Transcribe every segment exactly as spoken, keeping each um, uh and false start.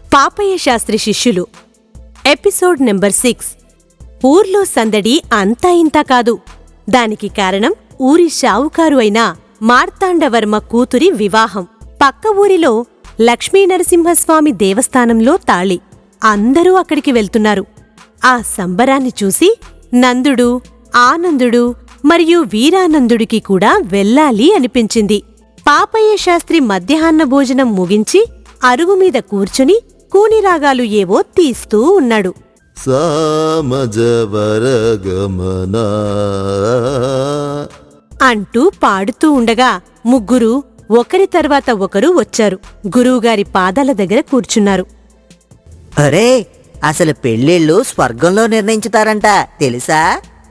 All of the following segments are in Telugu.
పాపయ్య శాస్త్రి శిష్యులు ఎపిసోడ్ నెంబర్ సిక్స్. ఊర్లో సందడి అంతా ఇంతా కాదు. దానికి కారణం ఊరి షావుకారు అయిన మార్తాండవర్మ కూతురి వివాహం. పక్క ఊరిలో లక్ష్మీనరసింహస్వామి దేవస్థానంలో తాళి. అందరూ అక్కడికి వెళ్తున్నారు. ఆ సంబరాన్ని చూసి నందుడు, ఆనందుడు మరియు వీరానందుడికి కూడా వెళ్ళాలి అనిపించింది. పాపయ్య శాస్త్రి మధ్యాహ్న భోజనం ముగించి అరుగుమీద కూర్చుని కూనిరాగాలు ఏవో తీస్తూ ఉన్నాడు. సామజవరగమనా అంటూ పాడుతూ ఉండగా ముగ్గురు ఒకరి తర్వాత ఒకరు వచ్చారు. గురువుగారి పాదాల దగ్గర కూర్చున్నారు. అరే, అసలు పెళ్ళిళ్ళు స్వర్గంలో నిర్ణయించుతారంట తెలుసా?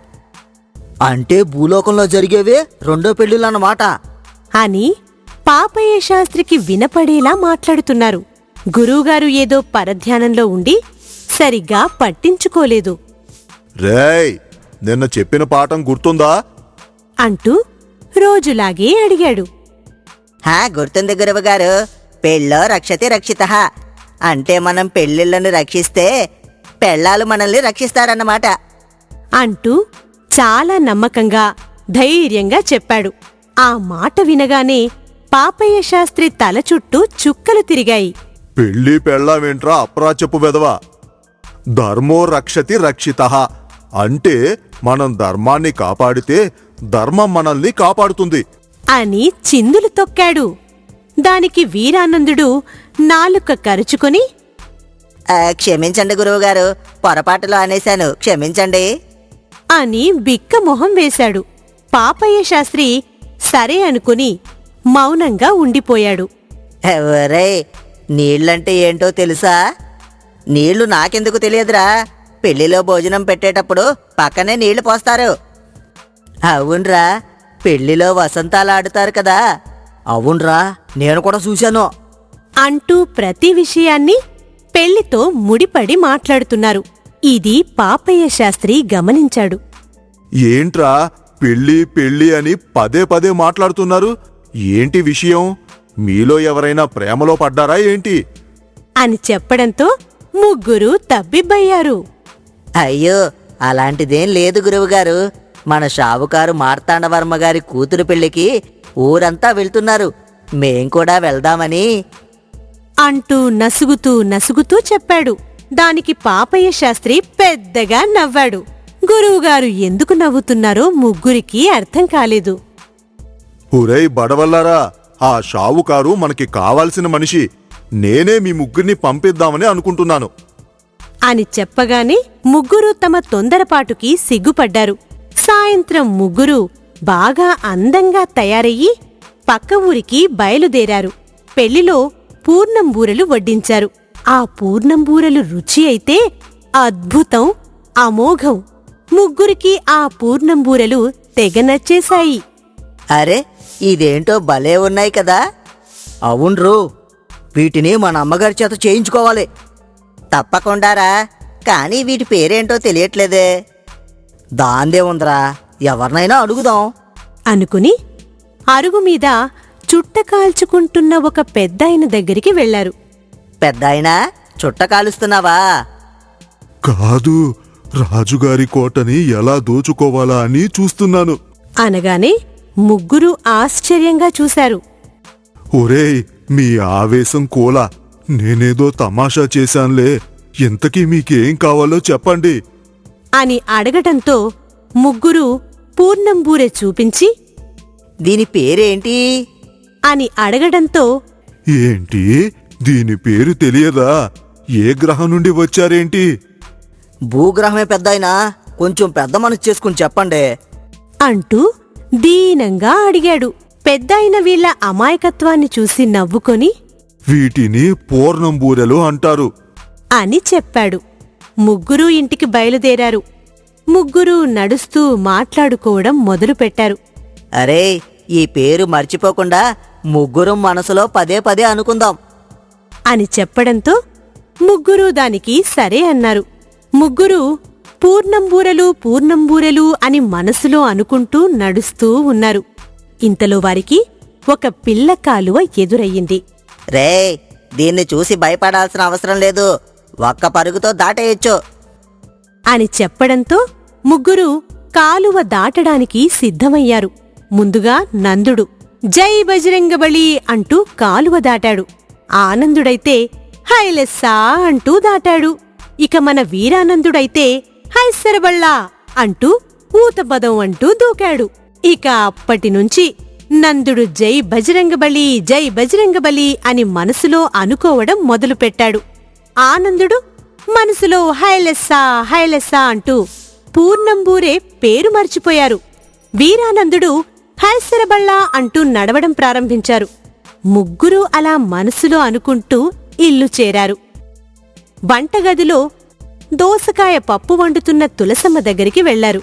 అంటే భూలోకంలో జరిగేవే రెండో పెళ్ళిళ్ళన్నమాట అని పాపయ్య శాస్త్రికి వినపడేలా మాట్లాడుతున్నారు. గురువుగారు ఏదో పరధ్యానంలో ఉండి సరిగ్గా పట్టించుకోలేదు. రేయ్, నిన్న చెప్పిన పాఠం గుర్తుందా అంటూ రోజులాగే అడిగాడు. హా, గుర్తుంది గురువుగారు. పెళ్ళో రక్షతి రక్షితః అంటే మనం పెళ్ళిళ్ళను రక్షిస్తే పెళ్ళాలు మనల్ని రక్షిస్తారన్నమాట అంటూ చాలా నమ్మకంగా ధైర్యంగా చెప్పాడు. ఆ మాట వినగానే పాపయ్య శాస్త్రి తల చుట్టూ చుక్కలు తిరిగాయి. పెళ్ళి పెళ్ళామేంట్రా అప్రాచపు వెదవా? ధర్మో రక్షతి రక్షితః అంటే మనం ధర్మాన్ని కాపాడితే ధర్మం మనల్ని కాపాడుతుంది అని చిందులు తొక్కాడు. దానికి వీరానందుడు నాలుక కరుచుకొని, ఆ, క్షమించండి గురువుగారు, పొరపాటులో అనేశాను, క్షమించండి అని బిక్క మొహం వేశాడు. పాపయ్య శాస్త్రి సరే అనుకుని మౌనంగా ఉండిపోయాడు. ఒరే, నీళ్ళంటే ఏంటో తెలుసా? నీళ్లు నాకెందుకు తెలియదురా. పెళ్లిలో భోజనం పెట్టేటప్పుడు పక్కనే నీళ్లు పోస్తారు. అవునరా, పెళ్లిలో వసంతాలు ఆడుతారు కదా. అవునరా, నేను కూడా చూశాను అంటూ ప్రతి విషయాన్ని పెళ్లితో ముడిపడి మాట్లాడుతున్నారు. ఇది పాపయ్య శాస్త్రి గమనించాడు. ఏంట్రా పెళ్ళి పెళ్ళి అని పదే పదే మాట్లాడుతున్నారు? ఏంటి విషయం? మీలో ఎవరైనా ప్రేమలో పడ్డారా ఏంటి అని చెప్పడంతో ముగ్గురు తబ్బిబ్బయ్యారు. అయ్యో, అలాంటిదేం లేదు గురువుగారు. మన షావుకారు మార్తాండవర్మ గారి కూతురు పెళ్లికి ఊరంతా వెళ్తున్నారు, మేం కూడా వెళ్దామని అంటూ నసుగుతూ నసుగుతూ చెప్పాడు. దానికి పాపయ్య శాస్త్రి పెద్దగా నవ్వాడు. గురువుగారు ఎందుకు నవ్వుతున్నారో ముగ్గురికి అర్థం కాలేదు. ఒరేయ్ బడవల్లారా, ఆ షావుకారు మనకి కావాల్సిన మనిషి. నేనే మీ ముగ్గురిని పంపిద్దామని అనుకుంటున్నాను అని చెప్పగానే ముగ్గురు తమ తొందరపాటుకి సిగ్గుపడ్డారు. సాయంత్రం ముగ్గురు బాగా అందంగా తయారయ్యి పక్క ఊరికి బయలుదేరారు. పెళ్లిలో పూర్ణంబూరలు వడ్డించారు. ఆ పూర్ణంబూరలు రుచి అయితే అద్భుతం, అమోఘం. ముగ్గురికి ఆ పూర్ణంబూరలు తెగ నచ్చేశాయి. అరే, ఇదేంటో భలే ఉన్నాయి కదా. అవున్రు, వీటిని మన అమ్మగారి చేత చేయించుకోవాలి. తప్పకుండారా, కానీ వీటి పేరేంటో తెలియట్లేదే. దాందే ఉందిరా, ఎవరినైనా అడుగుదాం అనుకుని అరుగుమీద చుట్ట కాల్చుకుంటున్న ఒక పెద్దాయన దగ్గరికి వెళ్లారు. పెద్దాయనా, చుట్ట కాలుస్తున్నావా? కాదు, రాజుగారి కోటని ఎలా దోచుకోవాలా అని చూస్తున్నాను అనగానే ముగ్గురు ఆశ్చర్యంగా చూశారు. ఒరేయ్, మీ ఆవేశం కోలా. నేనేదో తమాషా చేశాన్లే. ఇంతకీ మీకేం కావాలో చెప్పండి అని అడగటంతో ముగ్గురు పూర్ణంబూరె చూపించి దీని పేరేంటి అని అడగడంతో ఏంటి, దీని పేరు తెలియదా? ఏ గ్రహం నుండి వచ్చారేంటి? భూగ్రహమే పెద్దాయనా, కొంచెం పెద్ద మనసు చేసుకుని చెప్పండి అంటూ దీనంగా అడిగాడు. పెద్దాయన వీళ్ల అమాయకత్వాన్ని చూసి నవ్వుకొని వీటిని పూర్ణంబూరెలు అంటారు అని చెప్పాడు. ముగ్గురూ ఇంటికి బయలుదేరారు. ముగ్గురూ నడుస్తూ మాట్లాడుకోవడం మొదలుపెట్టారు. అరే, ఈ పేరు మర్చిపోకుండా ముగ్గురం మనసులో పదే పదే అనుకుందాం అని చెప్పడంతో ముగ్గురూ దానికి సరే అన్నారు. ముగ్గురూ పూర్ణంబూరలు పూర్ణంబూరెలు అని మనసులో అనుకుంటూ నడుస్తూ ఉన్నారు. ఇంతలో వారికి ఒక పిల్ల కాలువ ఎదురయ్యింది. రే, దీన్ని చూసి భయపడాల్సిన అవసరం లేదు, ఒక్క పరుగుతో దాటేయొచ్చు. అని చెప్పడంతో ముగ్గురు కాలువ దాటడానికి సిద్ధమయ్యారు. ముందుగా నందుడు జై బజరంగబలి అంటూ కాలువ దాటాడు. ఆనందుడైతే హైలెస్సా అంటూ దాటాడు. ఇక మన వీరానందుడైతే హైసరబళ్ళా అంటూ ఊతపదం అంటూ దూకాడు. ఇక అప్పటినుంచి నందుడు జై బజరంగబలి జై బజరంగబలి అని మనసులో అనుకోవడం మొదలుపెట్టాడు. ఆనందుడు మనసులో హైలెస్సా హైలెస్సా అంటూ పూర్ణంబూరే పేరు మర్చిపోయారు. వీరానందుడు హైసరబళ్ళా అంటూ నడవడం ప్రారంభించారు. ముగ్గురూ అలా మనసులో అనుకుంటూ ఇల్లు చేరారు. వంటగదిలో దోసకాయ పప్పు వండుతున్న తులసమ్మ దగ్గరికి వెళ్లారు.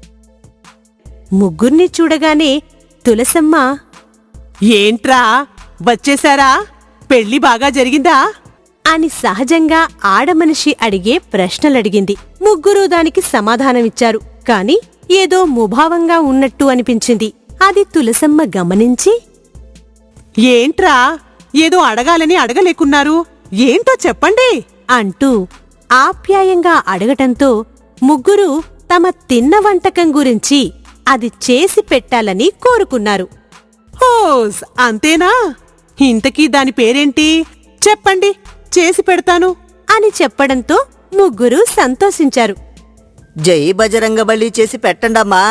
ముగ్గుర్ని చూడగానే తులసమ్మ, ఏంట్రా వచ్చేశారా? పెళ్లి బాగా జరిగిందా అని సహజంగా ఆడమనిషి అడిగే ప్రశ్నలడిగింది. ముగ్గురూ దానికి సమాధానమిచ్చారు. కాని ఏదో ముభావంగా ఉన్నట్టు అనిపించింది. అది తులసమ్మ గమనించి, ఏంట్రా ఏదో అడగాలని అడగలేకున్నారు, ఏంటో చెప్పండి అంటూ ఆప్యాయంగా అడగటంతో ముగ్గురు తమ తిన్న వంటకం గురించి అది చేసి పెట్టాలని కోరుకున్నారు. హోస్ అంతేనా? ఇంతకీ దాని పేరేంటి చెప్పండి, చేసి పెడతాను అని చెప్పడంతో ముగ్గురు సంతోషించారు. జై బజరంగబలి చేసి పెట్టండమ్మా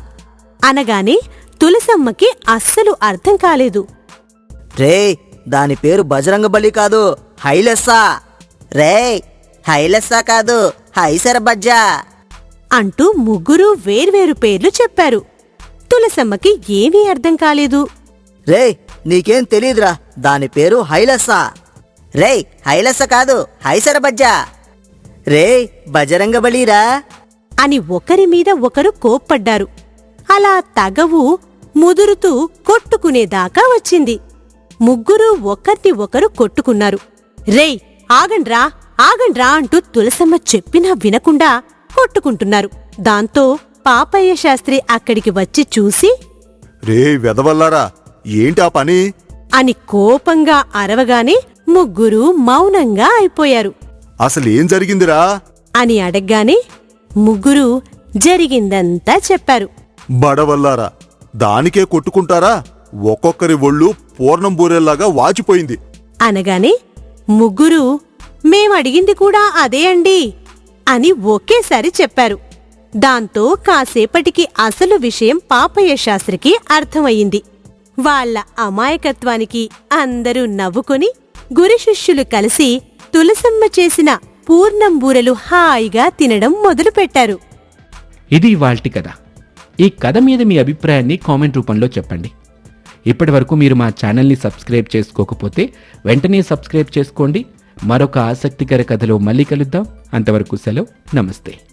అనగానే తులసమ్మకి అస్సలు అర్థం కాలేదు. రే, దాని పేరు బజరంగబలి కాదు, హైలెస్సా. రే, హైలెస్సా కాదు, హైసరబజ్జా అంటూ ముగ్గురూ వేర్వేరు పేర్లు చెప్పారు. తులసమ్మకి ఏమీ అర్థం కాలేదు. రే, నీకేం తెలీదురా, దాని పేరు హైలెస్సా. రే, హైలెస్స కాదు, హైసరబజ్జా. రే, బజరంగబలిరా అని ఒకరి మీద ఒకరు కోప్పడ్డారు. అలా తగవు ముదురుతూ కొట్టుకునేదాకా వచ్చింది. ముగ్గురూ ఒకర్ని ఒకరు కొట్టుకున్నారు. రేయ్ ఆగండ్రా ఆగండ్రా అంటూ తులసమ్మ చెప్పినా వినకుండా కొట్టుకుంటున్నారు. దాంతో పాపయ్య శాస్త్రి అక్కడికి వచ్చి చూసి, రే వెదవల్లారా, ఏంటా పని అని కోపంగా అరవగానే ముగ్గురూ మౌనంగా అయిపోయారు. అసలేం జరిగిందిరా అని అడగ్గానే ముగ్గురూ జరిగిందంతా చెప్పారు. బడవల్లారా, దానికే కొట్టుకుంటారా? ఒక్కొక్కరి ఒళ్ళు పూర్ణం బూరెల్లాగా వాచిపోయింది అనగానే ముగ్గురూ మేమడిగింది కూడా అదే అండి అని ఒకేసారి చెప్పారు. దాంతో కాసేపటికి అసలు విషయం పాపయ్య శాస్త్రికి అర్థమయ్యింది. వాళ్ల అమాయకత్వానికి అందరూ నవ్వుకొని గురి శిష్యులు కలిసి తులసమ్మ చేసిన పూర్ణం బూరెలు హాయిగా తినడం మొదలుపెట్టారు. ఇది ఇవాల్టి కథ. ఈ కథ మీద మీ అభిప్రాయాన్ని కామెంట్ రూపంలో చెప్పండి. ఇప్పటి వరకు మీరు మా ఛానల్ని సబ్స్క్రైబ్ చేసుకోకపోతే వెంటనే సబ్స్క్రైబ్ చేసుకోండి. మరొక ఆసక్తికర కథలో మళ్ళీ కలుద్దాం. అంతవరకు సెలవు, నమస్తే.